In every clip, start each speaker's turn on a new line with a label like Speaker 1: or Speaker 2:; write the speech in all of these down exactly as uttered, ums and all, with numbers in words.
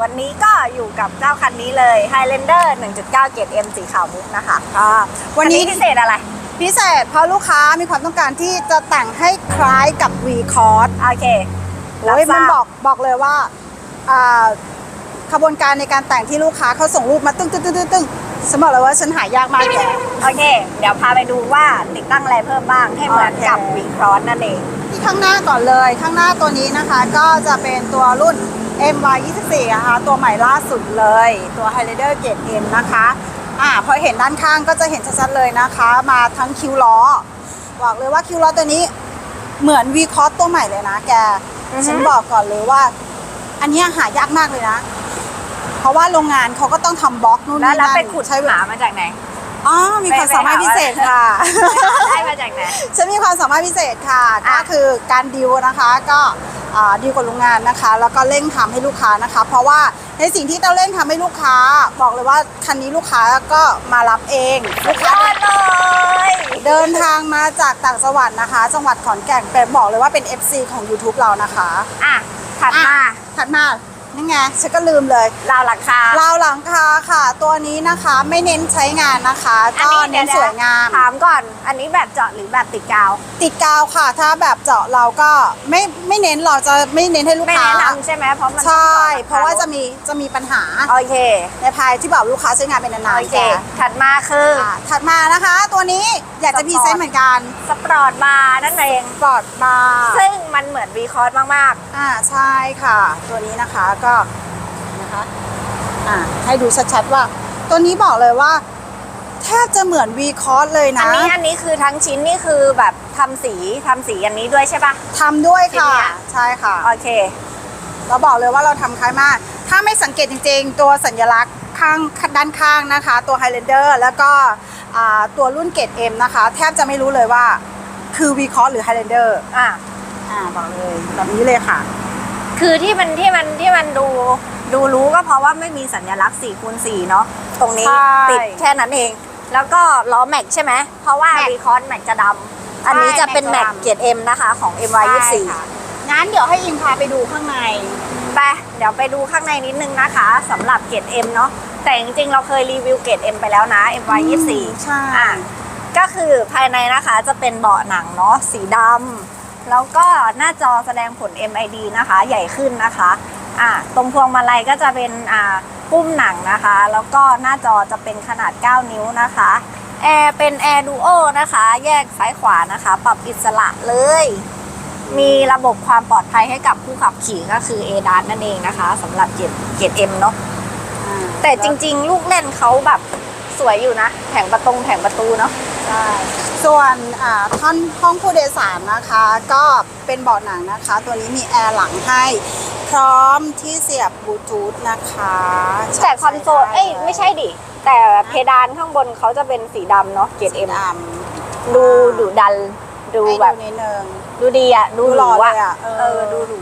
Speaker 1: วันนี้ก็อยู่กับเจ้าคันนี้เลย Highlander หนึ่งจุดเก้า เกรด M สีขาวมุกนะคะ
Speaker 2: อ่าวันนี้
Speaker 1: พิเศษอะไร
Speaker 2: พิเศษเพราะลูกค้ามีความต้องการที่จะแต่งให้คล้ายกับ V-Cross
Speaker 1: โอเค
Speaker 2: โอ้ยมันบอกบอกเลยว่าอ่าขบวนการในการแต่งที่ลูกค้าเขาส่งรูปมาตึ้งตึ้งตึ้งตึ้งตึ้งฉันบอกเลยว่าฉันหายากมากแก
Speaker 1: โอเคเดี๋ยวพาไปดูว่าติดตั้งอะไรเพิ่มบ้างให้เหมือนกับ V-Cross นั่นเอง
Speaker 2: ที่ข้างหน้าก่อนเลยข้างหน้าตัวนี้นะคะก็จะเป็นตัวรุ่น เอ็ม วาย ยี่สิบสี่ นะคะตัวใหม่ล่าสุดเลยตัว Highlander เกรด M นะคะอ่าพอเห็นด้านข้างก็จะเห็นชัดๆเลยนะคะมาทั้งคิวล้อบอกเลยว่าคิวล้อตัวนี้เหมือน V-Cross ตัวใหม่เลยนะแกฉันบอกก่อนเลยว่าอันนี้หายากมากเลยนะเพราะว่าโรงงานเขาก็ต้องทำบล็อกนู่นนี่นั่น
Speaker 1: แล้วไปขุดใช้หามาจากไหน
Speaker 2: อ๋อมีความสามารถพิเศษค่ะ
Speaker 1: ได้มาจากไหน
Speaker 2: ฉันมีความสามารถพิเศษค่ะก็คือการดิวนะคะก็ดีลกับโรงงานนะคะแล้วก็เร่งทำให้ลูกค้านะคะเพราะว่าในสิ่งที่เราเร่งทำให้ลูกค้าบอกเลยว่าคันนี้ลูกค้าก็มารับเองลูกค้า
Speaker 1: เลย
Speaker 2: เดินทางมาจากต่างจังหวัดนะคะจังหวัดขอนแก่นเป็นบอกเลยว่าเป็น เอฟ ซี ของ ยูทูบ เรานะคะ
Speaker 1: อ่ะถัดมา
Speaker 2: ถัดมานี่ไงฉันก็ลืมเลย
Speaker 1: ราวหลังคาร
Speaker 2: าวหลังคาค่ะตัวนี้นะคะไม่เน้นใช้งานนะคะก็เน้นสวยงาม
Speaker 1: ถามก่อนอันนี้แบบเจาะหรือแบบติดกาว
Speaker 2: ติดกาวค่ะถ้าแบบเจาะเราก็ไม่ไม่เน้นเราจะไม่เน้นให้ลูกค้า
Speaker 1: ไม่แนะนำใช่ไหมเพราะมัน
Speaker 2: ใช่เพราะว่าจะมีจะมีปัญหา
Speaker 1: โอเค
Speaker 2: ในภายที่แบบลูกค้าใช้งานเป็นนานๆโอ
Speaker 1: เคถัดมาคือ
Speaker 2: ถัดมานะคะตัวนี้อยากจะพรีเซนต์เหมือนกัน
Speaker 1: สปอร์ตบาร์นั่นเอง
Speaker 2: สปอร์ตบาร์
Speaker 1: ซึ่งมันเหมือน V-Cross มาก
Speaker 2: ๆอ่าใช่ค่ะตัวนี้นะคะก็นะคะอ่าให้ดูชัดๆว่าตัวนี้บอกเลยว่าแทบจะเหมือน V-Cross เลยนะ
Speaker 1: อันนี้อันนี้คือทั้งชิ้นนี่คือแบบทำสีทำสีอันนี้ด้วยใช่ปะ
Speaker 2: ทำด้วยค่ะใช่ค่ะ
Speaker 1: โอเค
Speaker 2: เราบอกเลยว่าเราทำคล้ายมากถ้าไม่สังเกตจริงๆตัวสัญลักษณ์ข้างด้านข้างนะคะตัว Highlander แล้วก็ตัวรุ่นเกรด M นะคะแทบจะไม่รู้เลยว่าคือ V-Cross หรือ Highlander
Speaker 1: อ่า
Speaker 2: อ่าบอกเลยแบบนี้เลยค่ะ
Speaker 1: คือที่มันที่มันที่มันดูดูรู้ก็เพราะว่าไม่มีสัญลักษณ์ สี่คูณสี่ เนาะตรงนี้ติดแค่นั้นเองแล้วก็ล้อแม็กใช่ไหมเพราะว่า V-Cross แม็กจะดำอันนี้จะเป็นแม็กเกรด M นะคะของ เอ็ม วาย ยี่สิบสี่
Speaker 2: งั้นเดี๋ยวให้อิงพาไปดูข้างใน
Speaker 1: ไปเดี๋ยวไปดูข้างในนิดนึงนะคะสำหรับเกรด M เนาะแต่จริงๆเราเคยรีวิวเกรด M ไปแล้วนะ เอ็ม วาย ยี่สิบสี่
Speaker 2: ใช่
Speaker 1: ก็คือภายในนะคะจะเป็นเบาะหนังเนาะสีดำแล้วก็หน้าจอแสดงผล เอ็ม ไอ ดี นะคะใหญ่ขึ้นนะคะอ่าตรงพวงมาลัยก็จะเป็นอ่าปุ้มหนังนะคะแล้วก็หน้าจอจะเป็นขนาดเก้านิ้วนะคะแอร์เป็นแอร์ดูโอนะคะแยกซ้ายขวานะคะปรับอิสระเลยมีระบบความปลอดภัยให้กับผู้ขับขี่ก็คือ เอ ดัส นั่นเองนะคะสำหรับเกรดเกรด M เนาะแต่จริงๆลูกเล่นเขาแบบสวยอยู่นะแผงประตูแผงประตูเนาะ
Speaker 2: ใช่ส่วนท่อนห้องผู้โดยสารนะคะก็เป็นเบาะหนังนะคะตัวนี้มีแอร์หลังให้พร้อมที่เสียบบลูทูธนะคะ
Speaker 1: แต่คอนโซลเอ้ยไม่ใช่ดิแต่เพดานข้างบนเขาจะเป็นสีดำเนาะเกรด M ดูดุดันดูแบบ
Speaker 2: นิดนึง
Speaker 1: ดูดีอ่ะดูหรูอ่ะเออดูหรู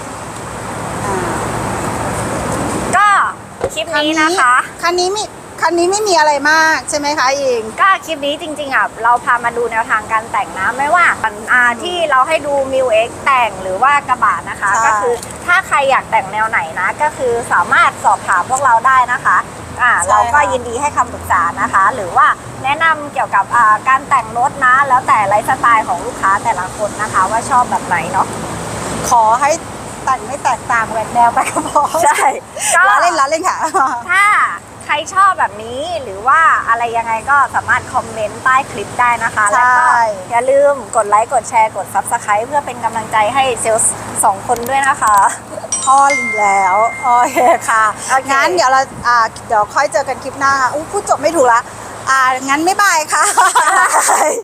Speaker 1: ก็คลิปนี้นะคะ
Speaker 2: คันนี้มีคันนี้ไม่มีอะไรมากใช่ไหมคะเอง
Speaker 1: ก็คลิปนี้จริงๆอ่ะเราพามาดูแนวทางการแต่งนะไม่ว่าอ่าที่เราให้ดู มิว เอ็กซ์ แต่งหรือว่ากระบะนะคะก็คือถ้าใครอยากแต่งแนวไหนนะก็คือสามารถสอบถามพวกเราได้นะคะอ่าเราก็ยินดีให้คำปรึกษานะคะหรือว่าแนะนำเกี่ยวกับอ่าการแต่งรถนะแล้วแต่ไลฟ์สไตล์ของลูกค้าแต่ละคนนะคะว่าชอบแบบไหนเนาะ
Speaker 2: ขอให้แต่งไม่แตกต่างแหวกแนวไปก็พอ
Speaker 1: ใช่
Speaker 2: ล้อเล่นล้อเล่นค่ะ
Speaker 1: ถ้าใครชอบแบบนี้หรือว่าอะไรยังไงก็สามารถคอมเมนต์ใต้คลิปได้นะคะแล้วก็อย่าลืมกดไลค์กดแชร์กด ซับสไครบ์ เพื่อเป็นกำลังใจให้เซลล์สองคนด้วยนะคะ
Speaker 2: พอแล้วโอเคค่ะงั้นเดี๋ยวเราอ่าเดี๋ยวค่อยเจอกันคลิปหน้าค่ะอู้พูดจบไม่ถูกละอ่างั้นไม่บายค่ะ